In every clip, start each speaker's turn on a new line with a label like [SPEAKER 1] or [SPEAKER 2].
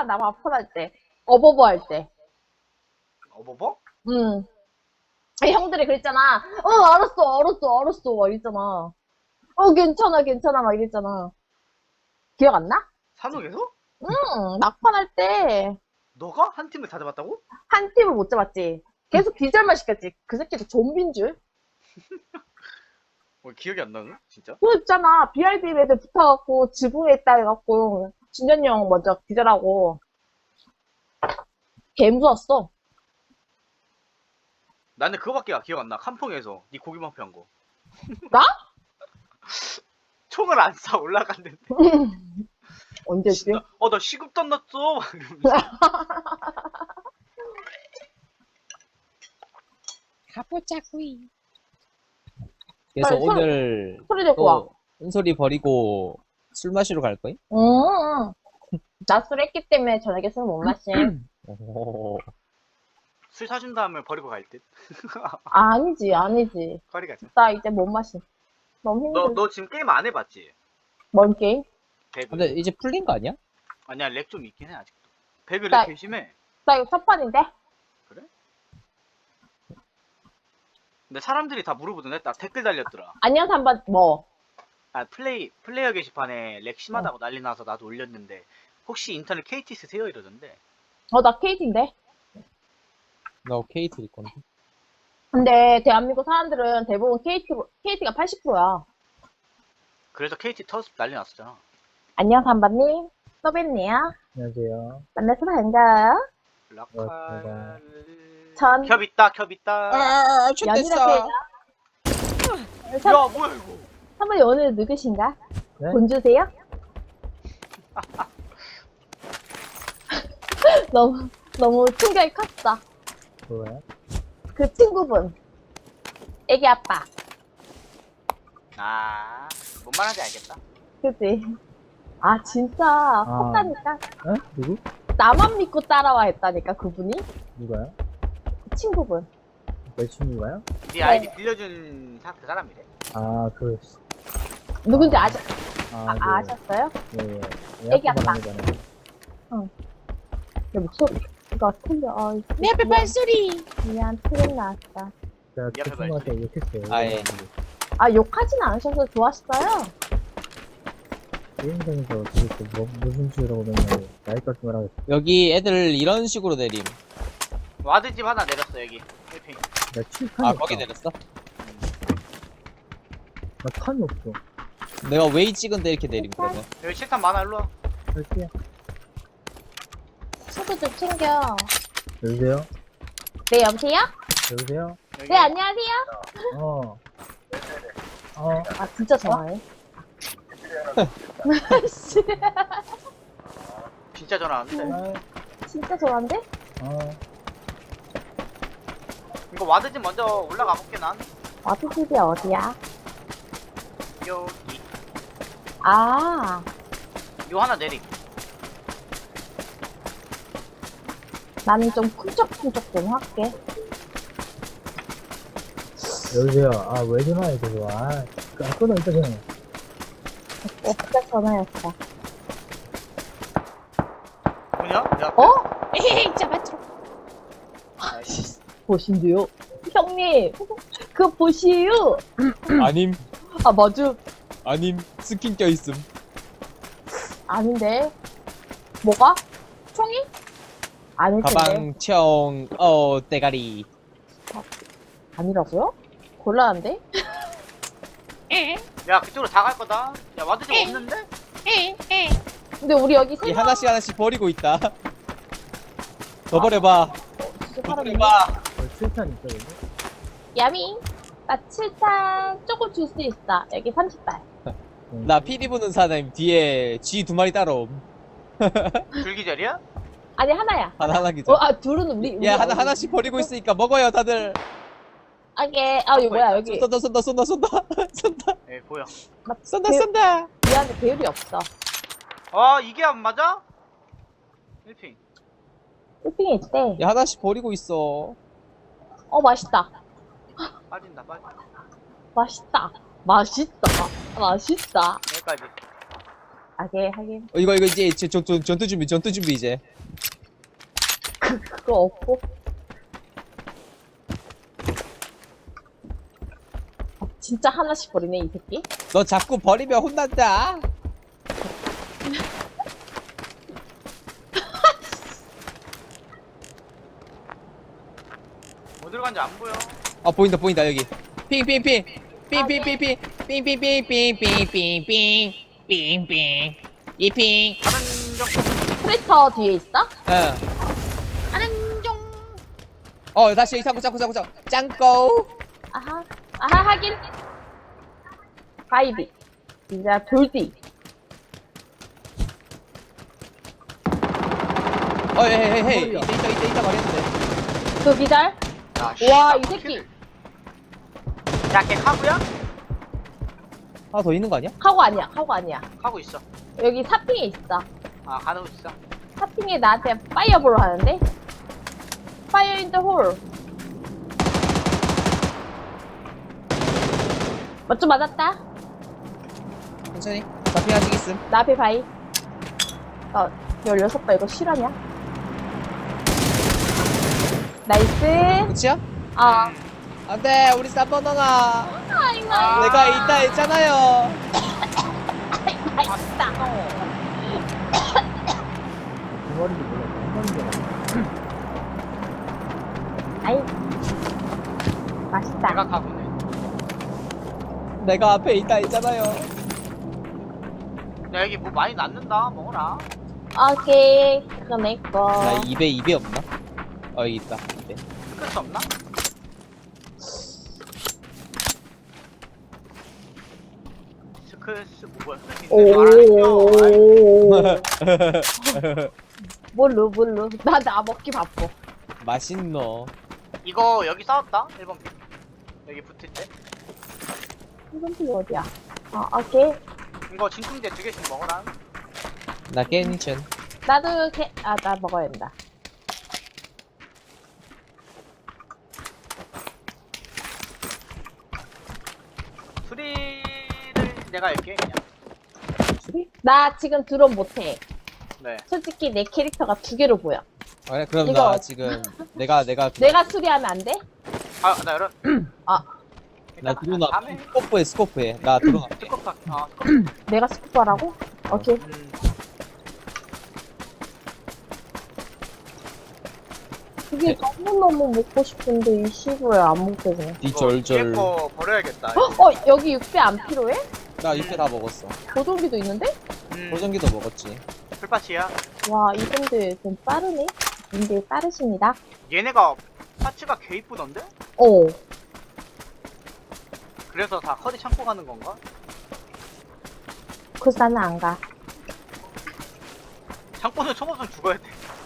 [SPEAKER 1] 나 밥풀할 때. 어버버 할 때.
[SPEAKER 2] 어버버?
[SPEAKER 1] 응. 형들이 그랬잖아. 알았어. 막 이랬잖아. 괜찮아. 막 이랬잖아. 기억 안 나?
[SPEAKER 2] 산옥에서?
[SPEAKER 1] 응, 막판 할 때.
[SPEAKER 2] 너가 한 팀을 다 잡았다고?
[SPEAKER 1] 한 팀을 못 잡았지. 계속 기절만 시켰지. 그 새끼도 좀비인 줄.
[SPEAKER 2] 기억이 안 나네, 진짜.
[SPEAKER 1] 그 있잖아. BRB 애들 붙어갖고 지붕에 있다 해갖고 진현이 형 먼저 기절하고 개 무서웠어.
[SPEAKER 2] 나는 그거밖에 기억 안 나. 칸풍에서 네 고기만 패한 거.
[SPEAKER 1] 나?
[SPEAKER 2] 총을 안 쏴 올라갔는데.
[SPEAKER 1] 언제지?
[SPEAKER 2] 나 시급도 안 났어. 막 이러면서.
[SPEAKER 3] 가보자구이. 그래서
[SPEAKER 1] 빨리
[SPEAKER 3] 오늘
[SPEAKER 1] 소리 내고 와.
[SPEAKER 3] 또 은솔이 버리고 술 마시러 갈 거임?
[SPEAKER 1] 나 술 했기 때문에 저녁에 술 못 마심.
[SPEAKER 3] 오.
[SPEAKER 2] 술 사준 다음에 버리고 갈 듯.
[SPEAKER 1] 아니지.
[SPEAKER 2] 거리 가자.
[SPEAKER 1] 나 이제 못 마심. 너무 힘들어.
[SPEAKER 2] 너 지금 게임 안 해봤지?
[SPEAKER 1] 뭔 게임?
[SPEAKER 2] 배그.
[SPEAKER 3] 근데 이제 풀린 거 아니야?
[SPEAKER 2] 아니야, 렉 좀 있긴 해 아직도. 배그
[SPEAKER 1] 나-
[SPEAKER 2] 렉 개심해.
[SPEAKER 1] 나 이거 첫 판인데?
[SPEAKER 2] 근데 사람들이 다 물어보던데. 나 댓글 달렸더라.
[SPEAKER 1] 안녕, 3번, 뭐.
[SPEAKER 2] 아, 플레이어 게시판에 렉 심하다고 난리 나서 나도 올렸는데 혹시 인터넷 KT 쓰세요? 이러던데.
[SPEAKER 1] 나 KT인데?
[SPEAKER 3] 나 KT 일 건데.
[SPEAKER 1] 근데 대한민국 사람들은 대부분 KT가 80%야.
[SPEAKER 2] 그래서 KT 터스 난리 났었잖아.
[SPEAKER 1] 안녕, 3번님. 또 뵙네요.
[SPEAKER 4] 안녕하세요.
[SPEAKER 1] 만나서 반가워요.
[SPEAKER 2] 라칼.
[SPEAKER 1] 전-
[SPEAKER 2] 겹 있다.
[SPEAKER 3] 아,
[SPEAKER 1] 연이라고 해요.
[SPEAKER 2] 야, 뭐야 이거?
[SPEAKER 1] 3번이 오늘 누구신가?
[SPEAKER 4] 네?
[SPEAKER 1] 돈 주세요? 너무 충격이 컸어.
[SPEAKER 4] 뭐야?
[SPEAKER 1] 그 친구분. 애기 아빠.
[SPEAKER 2] 아, 뭔 말인지 알겠다.
[SPEAKER 1] 그치? 아, 진짜 컸다니까.
[SPEAKER 4] 어? 누구?
[SPEAKER 1] 나만 믿고 따라와 했다니까, 그분이?
[SPEAKER 4] 누가요?
[SPEAKER 1] 그 친구분.
[SPEAKER 4] 내 친구가요?
[SPEAKER 2] 네 아이디 빌려준 그 사람이래.
[SPEAKER 4] 아,
[SPEAKER 1] 누군지
[SPEAKER 4] 아.
[SPEAKER 1] 아셨어요?
[SPEAKER 4] 예, 예.
[SPEAKER 1] 애기 아빠.
[SPEAKER 4] 잖아요
[SPEAKER 1] 내 목소리가 틀려.
[SPEAKER 3] 내 앞에 발소리.
[SPEAKER 1] 미안, 틀린 나왔다.
[SPEAKER 4] 제가
[SPEAKER 2] 옆에
[SPEAKER 4] 그 친구한테 욕했어요.
[SPEAKER 3] 아, 예.
[SPEAKER 1] 아, 욕하진 않으셔서 좋았어요.
[SPEAKER 4] 게임장에서 도대체 무슨 수라고 맨날 나이 같은 말 하고 있어.
[SPEAKER 3] 여기 애들 이런 식으로 내림.
[SPEAKER 2] 와드집 하나 내렸어 여기. 1핑.
[SPEAKER 4] 나 칠판이
[SPEAKER 3] 아,
[SPEAKER 4] 없어.
[SPEAKER 3] 거기 내렸어?
[SPEAKER 4] 나 탄이 없어.
[SPEAKER 3] 내가 웨이 찍은데 이렇게 내림, 그러면.
[SPEAKER 2] 여기 실탄 많아. 일로 와.
[SPEAKER 4] 할게요.
[SPEAKER 1] 수도 좀 챙겨.
[SPEAKER 4] 여보세요?
[SPEAKER 1] 네, 여보세요?
[SPEAKER 4] 여보세요?
[SPEAKER 2] 여기.
[SPEAKER 1] 네, 안녕하세요.
[SPEAKER 4] 어.
[SPEAKER 1] 아, 진짜 전화해. 씨,
[SPEAKER 2] 진짜 전화 안 돼.
[SPEAKER 1] 진짜 전화인데?
[SPEAKER 2] 이거 와드집 먼저 올라가 볼게 난.
[SPEAKER 1] 와드집이 어디야?
[SPEAKER 2] 여기.
[SPEAKER 1] 아,
[SPEAKER 2] 요 하나 내리.
[SPEAKER 1] 나는 좀 쿵쩍쿵쩍 좀 할게.
[SPEAKER 4] 여보세요? 아, 왜 전화해, 그거. 끊어, 일단 그냥.
[SPEAKER 1] 진짜 전화였어.
[SPEAKER 2] 뭐냐? 야.
[SPEAKER 1] 어?
[SPEAKER 3] 에헤이, 잡아들어.
[SPEAKER 1] 보신데요? 형님, 그거 보시유.
[SPEAKER 3] 아님,
[SPEAKER 1] 아, 맞아.
[SPEAKER 3] 아님, 스킨 껴있음.
[SPEAKER 1] 아닌데. 뭐가? 총이? 아닐 텐데.
[SPEAKER 3] 가방, 청, 대가리.
[SPEAKER 1] 아니라고요? 곤란한데?
[SPEAKER 2] 야, 그쪽으로 다 갈 거다. 야, 와드집 없는데?
[SPEAKER 1] 근데 우리 여기
[SPEAKER 3] 이
[SPEAKER 1] 세 명.
[SPEAKER 3] 하나씩 버리고 있다. 더 버려봐.
[SPEAKER 1] 진짜
[SPEAKER 3] 더
[SPEAKER 1] 사람이네.
[SPEAKER 3] 버려봐.
[SPEAKER 4] 칠판 있어, 여기?
[SPEAKER 1] 야미. 나 7탄 조금 줄 수 있어. 여기 30발.
[SPEAKER 3] 나 피리 부는 사람 뒤에 쥐 두 마리 따로.
[SPEAKER 2] 줄기절이야?
[SPEAKER 1] 아니, 하나야.
[SPEAKER 3] 하나 기자.
[SPEAKER 1] 둘은 우리.
[SPEAKER 3] 야, 하나씩 버리고 있으니까 먹어요, 다들.
[SPEAKER 1] 이게, 이거 뭐야, 여기.
[SPEAKER 3] 쏜다.
[SPEAKER 2] 예, 보여.
[SPEAKER 3] 쏜다.
[SPEAKER 1] 미안해, 배율이 없어.
[SPEAKER 2] 이게 안 맞아? 1핑.
[SPEAKER 1] 1핑에 있대.
[SPEAKER 3] 야, 하나씩 버리고 있어.
[SPEAKER 1] 맛있다.
[SPEAKER 2] 빠진다.
[SPEAKER 1] 맛있다.
[SPEAKER 2] 여기까지.
[SPEAKER 1] 하긴.
[SPEAKER 3] 이거 이제 전투 준비 이제.
[SPEAKER 1] 그거 없고. 진짜 하나씩 버리네, 이 새끼.
[SPEAKER 3] 너 자꾸 버리면 혼난다.
[SPEAKER 2] 어디로 간지 안 보여.
[SPEAKER 3] 아 보인다 여기. 핑. 이핑.
[SPEAKER 2] 다른 정
[SPEAKER 1] 트랙터 뒤에 있어?
[SPEAKER 3] 응. 다시 여기 자꾸 짱꼬.
[SPEAKER 1] 아하, 하긴. 바이비. 이제 돌디.
[SPEAKER 3] 헤이. 이따 말했는데.
[SPEAKER 1] 그 기절?
[SPEAKER 2] 야,
[SPEAKER 1] 와,
[SPEAKER 2] 씨발,
[SPEAKER 1] 이 새끼.
[SPEAKER 2] 야, 걔 카구야?
[SPEAKER 3] 하나 더 있는 거 아니야?
[SPEAKER 1] 카고 아니야.
[SPEAKER 2] 카구 있어.
[SPEAKER 1] 여기 사핑에 있어.
[SPEAKER 2] 아, 가는 거 있어.
[SPEAKER 1] 사핑에 나한테 파이어볼 하는데? 파이어 인 더 홀. 맞죠? 맞았다.
[SPEAKER 3] 천천히. 잡히 아직 있음.
[SPEAKER 1] 나 앞에 바이. 16발 이거 실화냐? 나이스.
[SPEAKER 3] 그치야?
[SPEAKER 1] 아,
[SPEAKER 3] 안돼 우리 3번 누나.
[SPEAKER 1] 아이고.
[SPEAKER 3] 내가 이따 했잖아요.
[SPEAKER 1] 맛있다.
[SPEAKER 4] 두 마리도 몰라. 한 마리도
[SPEAKER 1] 아이. 맛있다.
[SPEAKER 2] 내가 카구네.
[SPEAKER 3] 내가 앞에 있다 했잖아요.
[SPEAKER 2] 야, 여기 뭐 많이 낳는다. 먹어라.
[SPEAKER 1] 오케이. 그거 내 거.
[SPEAKER 3] 나 입에 없나? 여기 있다. 입에.
[SPEAKER 2] 끝이 없나? 스크스 뭐야?
[SPEAKER 1] 오.
[SPEAKER 2] 알았죠.
[SPEAKER 1] 뭘로. 나 먹기 바빠.
[SPEAKER 3] 맛있노.
[SPEAKER 2] 이거 여기 싸웠다. 1번 핑. 여기 붙을 때.
[SPEAKER 1] 이건 또 어디야? 오케이.
[SPEAKER 2] 이거 진통제 2개씩 먹어라.
[SPEAKER 3] 나 괜찮.
[SPEAKER 1] 나도 나 먹어야 된다.
[SPEAKER 2] 수리를 내가 할게 그냥.
[SPEAKER 1] 나 지금 드론 못해.
[SPEAKER 2] 네.
[SPEAKER 1] 솔직히 내 캐릭터가 2개로 보여.
[SPEAKER 3] 그래 그럼
[SPEAKER 1] 이거-
[SPEAKER 3] 나 지금 내가
[SPEAKER 1] 내가 수리하면 안 돼?
[SPEAKER 2] 나 이런.
[SPEAKER 3] 나 들어나
[SPEAKER 2] 다음에
[SPEAKER 3] 스코프해. 나 들어나.
[SPEAKER 2] 스코프 할게. 스코프.
[SPEAKER 1] 내가 스쿠버라고? 오케이. 그게 너무너무 먹고 싶은데 이 시부에 안 먹게 돼.
[SPEAKER 3] 이
[SPEAKER 2] 이거 뒤에
[SPEAKER 3] 절절.
[SPEAKER 2] 거 버려야겠다.
[SPEAKER 1] 여기 육배 안 필요해?
[SPEAKER 3] 나 육회 다 먹었어.
[SPEAKER 1] 보정기도 있는데?
[SPEAKER 3] 보정기도 먹었지.
[SPEAKER 2] 풀파츠야.
[SPEAKER 1] 와, 이분들 좀 빠르네? 분들 빠르십니다.
[SPEAKER 2] 얘네가 파츠가 개 이쁘던데?
[SPEAKER 1] 어.
[SPEAKER 2] 그래서 다 커디 참고 가는 건가?
[SPEAKER 1] 그래서 나는 안 가.
[SPEAKER 2] 참고는 쳐먹으면 죽어야 돼.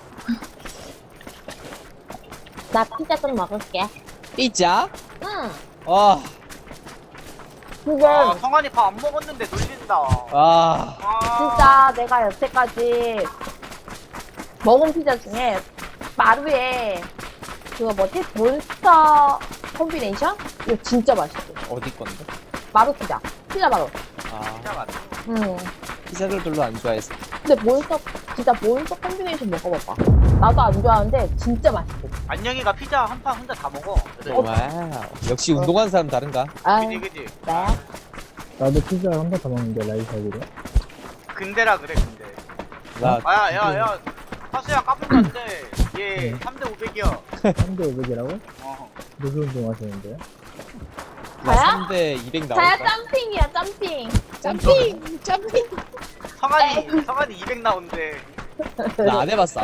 [SPEAKER 1] 나 피자 좀 먹을게.
[SPEAKER 3] 삐짜?
[SPEAKER 1] 응.
[SPEAKER 3] 아,
[SPEAKER 1] 근데
[SPEAKER 2] 성환이 밥 안 먹었는데 놀린다.
[SPEAKER 3] 아,
[SPEAKER 1] 진짜 내가 여태까지 먹은 피자 중에 마루에 그거 뭐지? 몬스터 콤비네이션? 이거 진짜 맛있어.
[SPEAKER 3] 어디 건데?
[SPEAKER 1] 마루 피자. 피자 마루.
[SPEAKER 3] 아,
[SPEAKER 2] 진짜 맞아.
[SPEAKER 1] 응.
[SPEAKER 3] 피자를 별로 안 좋아해서.
[SPEAKER 1] 근데 진짜 몬스터 콤비네이션 먹어봐봐. 나도 안 좋아하는데 진짜 맛있어.
[SPEAKER 2] 안녕이가 피자 한 판 혼자 다 먹어.
[SPEAKER 3] 와우. 역시 운동하는 사람 다른가?
[SPEAKER 1] 아,
[SPEAKER 2] 그지?
[SPEAKER 1] 네.
[SPEAKER 4] 나도 피자 한 번 더 먹는데 라이사기로.
[SPEAKER 2] 근데라 그래 근데.
[SPEAKER 3] 나
[SPEAKER 2] 야. 하수야 까불면 안 돼. 얘 3대 500이야.
[SPEAKER 4] 3대 500이라고?
[SPEAKER 2] 어.
[SPEAKER 4] 무슨 운동 하시는데?
[SPEAKER 3] 나
[SPEAKER 1] 자야?
[SPEAKER 3] 3대 200
[SPEAKER 1] 자야
[SPEAKER 3] 나올까?
[SPEAKER 1] 짬핑이야 짬핑.
[SPEAKER 3] 짬핑.
[SPEAKER 2] 성환이 200 나오는데.
[SPEAKER 3] 나 안 해봤어.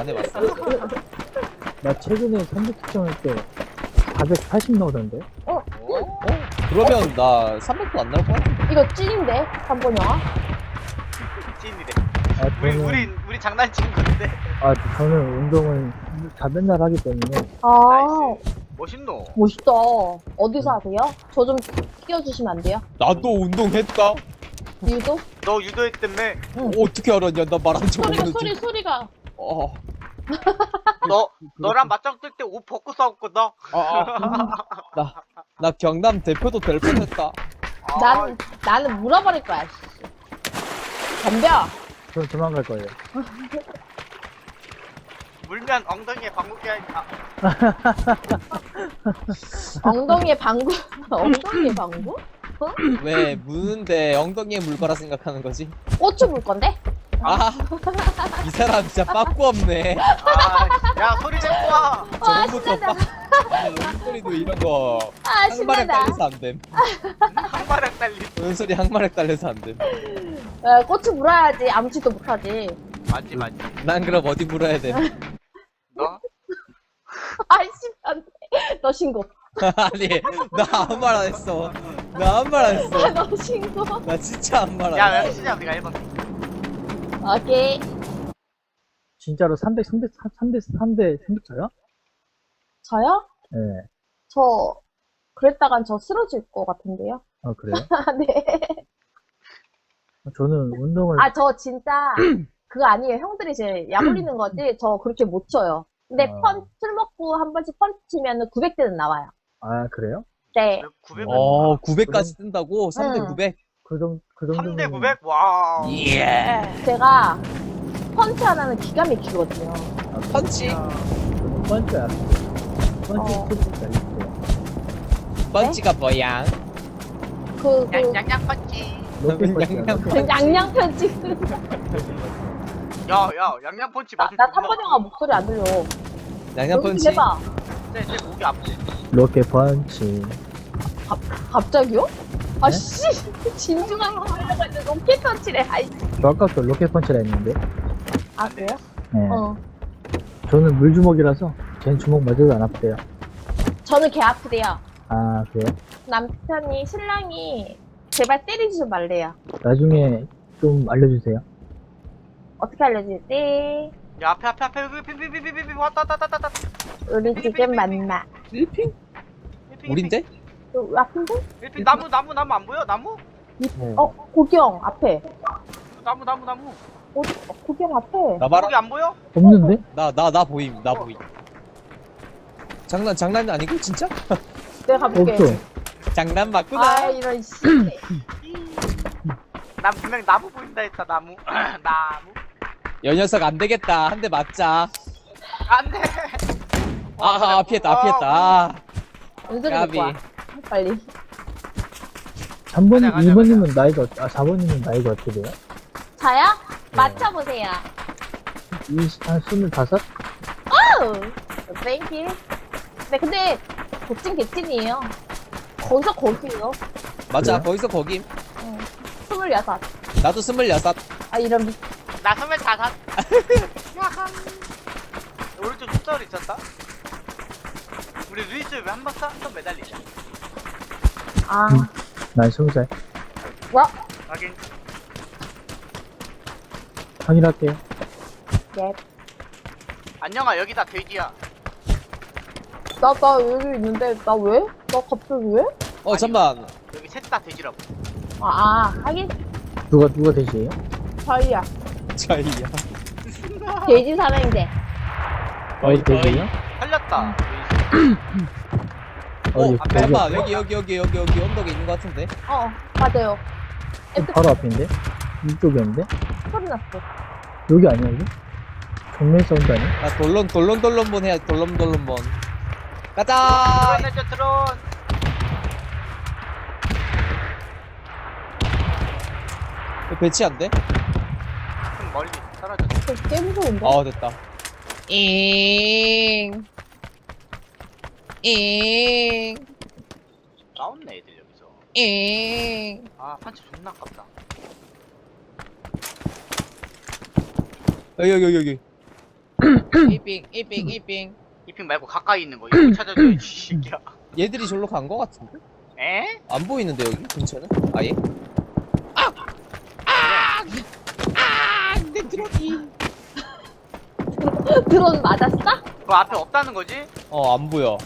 [SPEAKER 4] 나 최근에 300 측정할 때 480 나오던데?
[SPEAKER 2] 어?
[SPEAKER 3] 그러면 나 300도 안 나올 것 같은데.
[SPEAKER 1] 이거 찐인데? 3번 영화?
[SPEAKER 2] 찐이래.
[SPEAKER 4] 아,
[SPEAKER 2] 우리 장난친 건데.
[SPEAKER 4] 저는 운동을 다 맨날 하기 때문에.
[SPEAKER 1] 아,
[SPEAKER 2] 나이스. 멋있노.
[SPEAKER 1] 멋있다. 어디서 하세요? 저 좀 끼워주시면 안 돼요?
[SPEAKER 3] 나도 운동했다.
[SPEAKER 1] 유도?
[SPEAKER 2] 너 유도했다며.
[SPEAKER 3] 어떻게 알았냐? 나 말한 적 없는데.
[SPEAKER 1] 소리가.
[SPEAKER 3] 어.
[SPEAKER 2] 너랑 맞짱 뜰 때 옷 벗고 싸웠거든.
[SPEAKER 3] 나 경남 대표도 될 뻔했다.
[SPEAKER 1] 나는 물어버릴 거야. 씨. 덤벼.
[SPEAKER 4] 그럼 도망갈 거예요.
[SPEAKER 2] 물면 엉덩이에 방귀 하니까.
[SPEAKER 1] 엉덩이에 방구, 엉덩이에 방구?
[SPEAKER 3] 왜 무는데 엉덩이에 물 거라 생각하는 거지?
[SPEAKER 1] 고추 물 건데?
[SPEAKER 3] 아, 이 사람 진짜 빠꾸 없네.
[SPEAKER 2] 아, 야 소리 좀 와.
[SPEAKER 1] 와,
[SPEAKER 3] 저번부터
[SPEAKER 1] 신난다.
[SPEAKER 3] 소리도 이런 거
[SPEAKER 1] 아,
[SPEAKER 3] 항마력
[SPEAKER 1] 신난다.
[SPEAKER 3] 달려서 안 됨.
[SPEAKER 2] 한바닥 달리.
[SPEAKER 3] 은솔이 항마력 달려서 안 됨.
[SPEAKER 1] 고추 물어야지. 아무짓도 못하지.
[SPEAKER 2] 맞지 맞지.
[SPEAKER 3] 난 그럼 어디 물어야 돼?
[SPEAKER 2] 너?
[SPEAKER 1] 아이씨, 안 돼. 너 신고.
[SPEAKER 3] 아니, 나 아무 말 안 했어. 나 아무 말 안 했어.
[SPEAKER 1] 너 신고.
[SPEAKER 3] 나 진짜 아무 말 안
[SPEAKER 2] 야
[SPEAKER 3] 했어.
[SPEAKER 2] 몇 시냐 우리가 1번.
[SPEAKER 1] 오케이.
[SPEAKER 4] 진짜로 300 쳐요?
[SPEAKER 1] 저요?
[SPEAKER 4] 네.
[SPEAKER 1] 저, 그랬다간 저 쓰러질 것 같은데요?
[SPEAKER 4] 아, 그래요?
[SPEAKER 1] 네.
[SPEAKER 4] 저는 운동을,
[SPEAKER 1] 아, 저 진짜, 그거 아니에요. 형들이 제 약올리는 거지. 저 그렇게 못 쳐요. 근데 술 먹고 한 번씩 펀치 치면 900대는 나와요.
[SPEAKER 4] 아, 그래요?
[SPEAKER 1] 네.
[SPEAKER 2] 900.
[SPEAKER 3] 900까지 뜬다고? 3대
[SPEAKER 1] 응.
[SPEAKER 3] 900?
[SPEAKER 4] 그 정도면.
[SPEAKER 2] 3대 900? 와.
[SPEAKER 3] 예.
[SPEAKER 1] 제가 펀치 하나는 기가 막히거든요.
[SPEAKER 4] 아,
[SPEAKER 3] 펀치?
[SPEAKER 4] 저는 펀치야. 펀치
[SPEAKER 1] 어.
[SPEAKER 4] 스킬이 있어요.
[SPEAKER 3] 펀치가 뭐야?
[SPEAKER 1] 그,
[SPEAKER 2] 양양 펀치.
[SPEAKER 4] 로켓 펀치야.
[SPEAKER 3] 양양
[SPEAKER 1] 그 양양 펀치.
[SPEAKER 2] 야 양양 펀치
[SPEAKER 1] 나
[SPEAKER 2] 맞을
[SPEAKER 1] 3번 영화 목소리 안 들려.
[SPEAKER 3] 양양
[SPEAKER 1] 연기
[SPEAKER 3] 펀치?
[SPEAKER 1] 해봐.
[SPEAKER 2] 내 목이 아프대.
[SPEAKER 4] 로켓 펀치.
[SPEAKER 1] 갑자기요? 아,
[SPEAKER 4] 네?
[SPEAKER 1] 씨. 진중하게 하려고 로켓 펀치래. 아이.
[SPEAKER 4] 저 아까부터 로켓 펀치라 했는데.
[SPEAKER 1] 아, 그래요?
[SPEAKER 4] 네.
[SPEAKER 1] 어.
[SPEAKER 4] 저는 물주먹이라서 걘 주먹 맞아도 안 아프대요.
[SPEAKER 1] 저는 개 아프대요.
[SPEAKER 4] 아, 그래요?
[SPEAKER 1] 남편이, 신랑이 제발 때리지 좀 말래요.
[SPEAKER 4] 나중에 좀 알려주세요.
[SPEAKER 1] 어떻게 알려주지?
[SPEAKER 2] 야 앞에 여기 빙빙빙빙빙 왔다.
[SPEAKER 1] 우리 지금 만나.
[SPEAKER 3] 필리핀? 우린데?
[SPEAKER 1] 그 앞인데?
[SPEAKER 2] 일핑 나무 안 보여? 나무?
[SPEAKER 4] 네.
[SPEAKER 1] 고경 앞에.
[SPEAKER 2] 나무.
[SPEAKER 1] 고경 앞에.
[SPEAKER 3] 나 봐라.
[SPEAKER 2] 거기 안 보여?
[SPEAKER 4] 없는데?
[SPEAKER 3] 나 보임. 나 보임. 장난 아니고 진짜?
[SPEAKER 1] 내가 가볼게.
[SPEAKER 4] 없어.
[SPEAKER 3] 장난 맞구나.
[SPEAKER 1] 아, 이런 씨.
[SPEAKER 2] 난 분명 나무 보인다 했다 나무. 나무.
[SPEAKER 3] 여 녀석 안 되겠다. 한 대 맞자.
[SPEAKER 2] 안돼.
[SPEAKER 3] 피했다.
[SPEAKER 1] 은솔이
[SPEAKER 3] 까비.
[SPEAKER 1] 갖고 와. 빨리.
[SPEAKER 4] 3번,
[SPEAKER 2] 가자.
[SPEAKER 4] 2번님은 나이가, 4번님은 나이가 어떻게 돼요?
[SPEAKER 1] 저요? 맞춰보세요.
[SPEAKER 4] 한 25?
[SPEAKER 1] 땡큐. 네, 근데 도찐 개찐이에요. 거기서 거기요.
[SPEAKER 3] 맞아.
[SPEAKER 4] 그래요?
[SPEAKER 3] 거기서 거김.
[SPEAKER 1] 26.
[SPEAKER 3] 나도 26.
[SPEAKER 1] 아, 이런
[SPEAKER 2] 나 25. 야한. 오른쪽 숫자리 있었다. 우리 루이스 왜 한 번 매달리자.
[SPEAKER 1] 아,
[SPEAKER 4] 난 20살.
[SPEAKER 1] 와,
[SPEAKER 2] 하긴.
[SPEAKER 4] 확인할게요.
[SPEAKER 1] 예.
[SPEAKER 2] 안녕아 여기다 돼지야.
[SPEAKER 1] 나 여기 있는데, 나 왜? 나 갑자기 왜?
[SPEAKER 3] 잠만.
[SPEAKER 2] 여기 셋 다 돼지라고.
[SPEAKER 1] 하긴,
[SPEAKER 4] 누가 되시에요?
[SPEAKER 1] 저희야.
[SPEAKER 3] 차이야.
[SPEAKER 1] 돼지 사랑인데.
[SPEAKER 4] 어디 되세요?
[SPEAKER 2] 살렸다.
[SPEAKER 4] 어디,
[SPEAKER 3] 잠깐만. 여기 언덕에 있는 것 같은데.
[SPEAKER 1] 맞아요.
[SPEAKER 4] 바로 앞인데? 이쪽이었는데?
[SPEAKER 1] 소리 났어.
[SPEAKER 4] 여기 아니야, 여기? 정면 사운드 아니야?
[SPEAKER 3] 나 돌론본 해야 돌론본. 가자.
[SPEAKER 2] 드론.
[SPEAKER 3] 배치 안 돼?
[SPEAKER 2] 좀 멀리 사라졌어.
[SPEAKER 1] 꽤 무서운데?
[SPEAKER 3] 됐다. 잉.
[SPEAKER 2] 나왔네 애들 여기서. 아 판치 존나 아깝다.
[SPEAKER 3] 여기. 이빙.
[SPEAKER 2] 이핑 말고 가까이 있는 거 이거 찾아줘야지 이 새끼야.
[SPEAKER 3] 얘들이 절로 간 것 같은데?
[SPEAKER 2] 에?
[SPEAKER 3] 안 보이는데 여기 근처는? 아예? 내 드론이.
[SPEAKER 1] 드론 맞았어?
[SPEAKER 2] 그 앞에 없다는 거지?
[SPEAKER 3] 안 보여.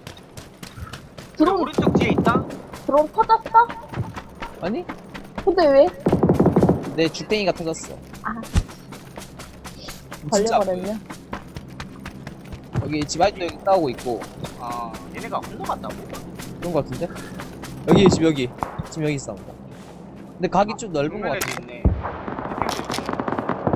[SPEAKER 1] 드론,
[SPEAKER 2] 오른쪽 뒤에 있다?
[SPEAKER 1] 드론 터졌어?
[SPEAKER 3] 아니?
[SPEAKER 1] 근데 왜?
[SPEAKER 3] 내 죽댕이가 터졌어.
[SPEAKER 1] 아.
[SPEAKER 3] 진짜
[SPEAKER 1] 걸려버렸네.
[SPEAKER 3] 여기 집 아직도 여기 싸우고 있고
[SPEAKER 2] 아 얘네가 건너갔다고?
[SPEAKER 3] 그런 것 같은데? 여기 집 여기 싸운다. 근데 각이 좀 넓은 것
[SPEAKER 2] 정면에도
[SPEAKER 3] 같아.
[SPEAKER 2] 있네.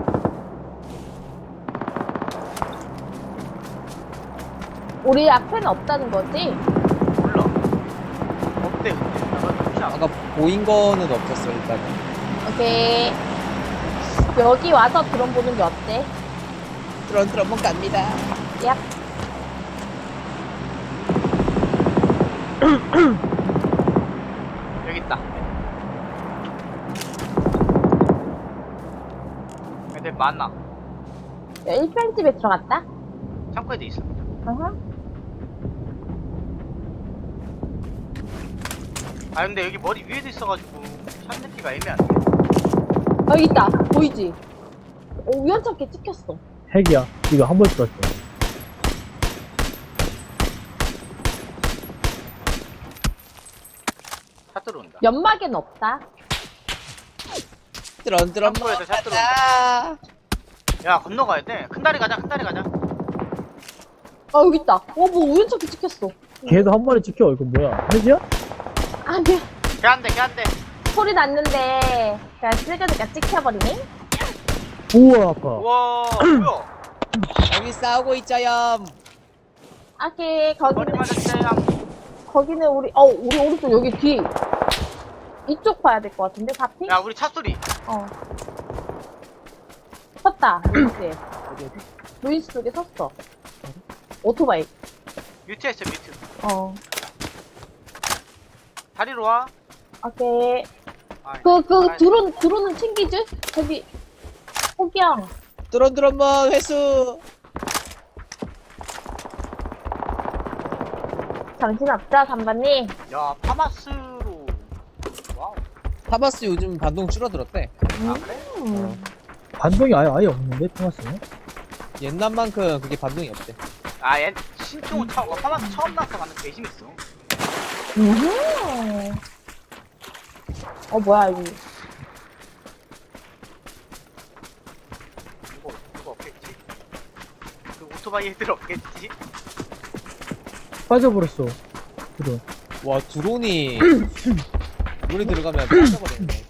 [SPEAKER 1] 우리 앞에는 없다는 거지?
[SPEAKER 2] 몰라. 어때 근데? 나가 좋지 않아?
[SPEAKER 3] 아까 보인 거는 없었어 일단은.
[SPEAKER 1] 오케이. 여기 와서 드론 보는 게 어때?
[SPEAKER 3] 드론 한번 갑니다.
[SPEAKER 1] 얍.
[SPEAKER 2] 여기 있다. 애들 많아.
[SPEAKER 1] 야, 1편집에 들어갔다?
[SPEAKER 2] 창고에도 있어.
[SPEAKER 1] 어허.
[SPEAKER 2] 아 근데 여기 머리 위에도 있어가지고 샷 느끼가 애매한데.
[SPEAKER 1] 여기 있다. 보이지? 우연찮게 찍혔어.
[SPEAKER 4] 핵이야. 이거 한 번 쐈어.
[SPEAKER 2] 샷 들어온다.
[SPEAKER 1] 연막에는 없다.
[SPEAKER 3] 드론
[SPEAKER 2] 창고에서 샷 들어온다. 야 건너가야 돼. 큰 다리 가자. 큰 다리 가자.
[SPEAKER 1] 여기 있다. 뭐 우연찮게 찍혔어.
[SPEAKER 4] 걔도 한 마리 지켜. 이거 뭐야? 핵이야?
[SPEAKER 1] 아니야.
[SPEAKER 2] 걔한대 걔한대.
[SPEAKER 1] 소리 났는데, 그냥 찍으니까 찍혀버리네?
[SPEAKER 4] 우와, 아파.
[SPEAKER 2] 우와 뭐야?
[SPEAKER 3] 여기 싸우고 있자염.
[SPEAKER 1] 아기,
[SPEAKER 2] 머리 맞았어요.
[SPEAKER 1] 거기는 우리 오른쪽 여기 뒤. 이쪽 봐야 될 것 같은데, 바피?
[SPEAKER 2] 야 우리 차 소리.
[SPEAKER 1] 어. 섰다, 루이스에. 루이스 쪽에 섰어. 오토바이.
[SPEAKER 2] 뮤트했어 뮤트.
[SPEAKER 1] 어.
[SPEAKER 2] 다리로 와.
[SPEAKER 1] 오케이.
[SPEAKER 2] 아,
[SPEAKER 1] 드론은 챙기지? 저기, 호기형.
[SPEAKER 3] 드론 회수.
[SPEAKER 1] 정신없죠, 3번님?
[SPEAKER 2] 야 파마스로. 와우.
[SPEAKER 3] 파마스 요즘 반동 줄어들었대.
[SPEAKER 2] 아 그래?
[SPEAKER 4] 반동이 아예 없는데, 토마스는?
[SPEAKER 3] 옛날만큼 그게 반동이 없대.
[SPEAKER 2] 아 얘 신종 처음 파마스 처음 나서 만든 개심 있어.
[SPEAKER 1] 뭐야, 이거.
[SPEAKER 2] 이거 없겠지? 그 오토바이 애들 없겠지?
[SPEAKER 4] 빠져버렸어. 그래.
[SPEAKER 3] 와 드론이 물에 들어가면 빠져버리네.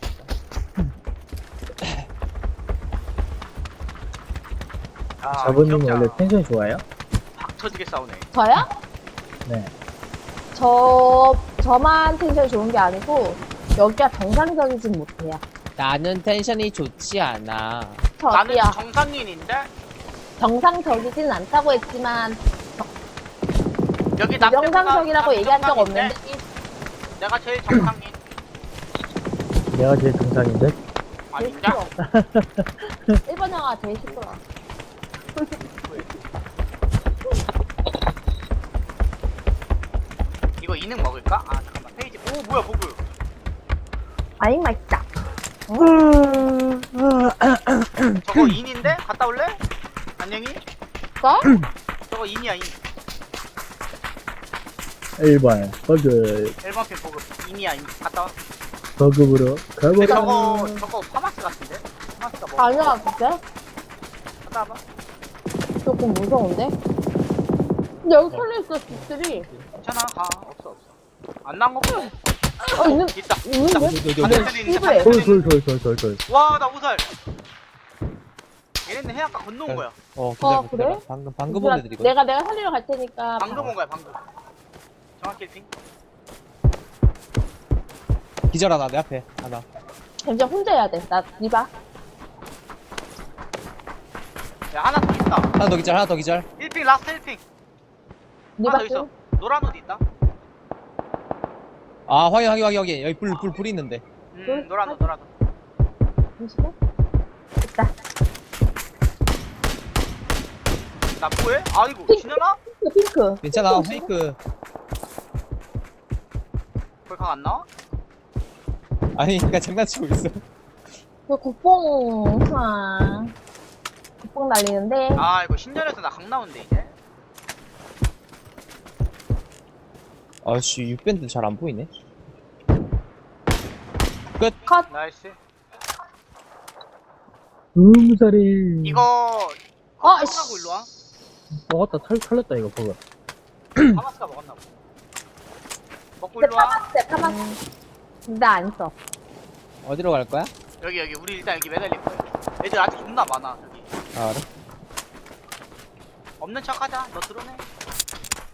[SPEAKER 2] 아,
[SPEAKER 4] 자부님은
[SPEAKER 2] 기억자.
[SPEAKER 4] 원래 텐션이 좋아요?
[SPEAKER 2] 박 터지게 싸우네.
[SPEAKER 1] 저요?
[SPEAKER 4] 네.
[SPEAKER 1] 저만 텐션이 좋은 게 아니고, 여기가 정상적이진 못해요.
[SPEAKER 3] 나는 텐션이 좋지 않아.
[SPEAKER 2] 나는
[SPEAKER 1] 저기요.
[SPEAKER 2] 정상인인데
[SPEAKER 1] 정상적이진 않다고 했지만,
[SPEAKER 2] 여기 나
[SPEAKER 1] 정상적이라고 얘기한 적 없는데,
[SPEAKER 2] 내가 제일 정상인.
[SPEAKER 4] 내가 제일 정상인데?
[SPEAKER 2] 아닌가?
[SPEAKER 1] 1번 영화 제일 시끄러워.
[SPEAKER 2] 이거 이능 먹을까? 아 잠깐만 페이지. 오 뭐야 버그.
[SPEAKER 1] 아잉, 맛있다.
[SPEAKER 2] 저거 인인데? 갔다 올래? 안녕히?
[SPEAKER 1] 거?
[SPEAKER 2] 저거 인이야 인.
[SPEAKER 4] 1번, 버그,
[SPEAKER 2] 1번 핀 버그. 인이야 인. 갔다 와.
[SPEAKER 4] 버그으로
[SPEAKER 2] 근데
[SPEAKER 4] 가보자.
[SPEAKER 2] 저거 파마스 같은데? 파마스가 뭐?
[SPEAKER 1] 아니야, 진짜?
[SPEAKER 2] 갔다 와봐.
[SPEAKER 1] 조금 무서운데? 근데 여기 털려있어, 집들이.
[SPEAKER 2] 괜찮아 가. 없어. 안 나온 거 보고.
[SPEAKER 1] 있는,
[SPEAKER 2] 있다.
[SPEAKER 1] 있는데?
[SPEAKER 3] 여기.
[SPEAKER 2] 반대편에 있는데,
[SPEAKER 1] 집에.
[SPEAKER 2] 반대편에
[SPEAKER 4] 돌.
[SPEAKER 2] 와, 나 우살. 얘네는 해안가 건너온 거야.
[SPEAKER 3] 기다려,
[SPEAKER 1] 그래?
[SPEAKER 3] 기다려. 방금 본 애들이거든.
[SPEAKER 1] 내가 살리러 갈 테니까.
[SPEAKER 2] 방금 온 거야, 방금. 정확히 핑.
[SPEAKER 3] 기절 하나 내 앞에 하나.
[SPEAKER 1] 잠시만 혼자 해야 돼. 나, 니봐.
[SPEAKER 2] 야, 하나 더 있다.
[SPEAKER 3] 하나 더 기절.
[SPEAKER 2] 1핑, 라스트 1핑. 하나
[SPEAKER 1] 니봐.
[SPEAKER 2] 더 있어. 노란 옷 있다.
[SPEAKER 3] 아 확인. 여기 불 있는데.
[SPEAKER 2] 노란 옷.
[SPEAKER 1] 잠시만. 있다.
[SPEAKER 2] 나 뭐해? 아이고, 지나나?
[SPEAKER 1] 핑크.
[SPEAKER 3] 괜찮아. 페이크.
[SPEAKER 2] 거기 강 안 나와?
[SPEAKER 3] 아니 그니까 장난치고 있어.
[SPEAKER 1] 그 국뽕 날리는데.
[SPEAKER 2] 아, 이거 신전에서 나 강 나온대, 이제.
[SPEAKER 3] 아씨 6밴드 잘 안 보이네.
[SPEAKER 1] 컷.
[SPEAKER 2] 나이스.
[SPEAKER 4] 음살이.
[SPEAKER 2] 이거,
[SPEAKER 1] 아,
[SPEAKER 2] 털하고 일로 와.
[SPEAKER 4] 먹었다, 털렸다, 이거 버그.
[SPEAKER 2] 파마스가 먹었나 보다. 먹고
[SPEAKER 1] 근데
[SPEAKER 2] 일로 와.
[SPEAKER 1] 파마스. 나 안 써.
[SPEAKER 3] 어디로 갈 거야?
[SPEAKER 2] 여기, 우리 일단 여기 매달릴 거야. 애들 아직 존나 많아, 여기.
[SPEAKER 3] 아 그래?
[SPEAKER 2] 없는 척 하자. 너 드러내.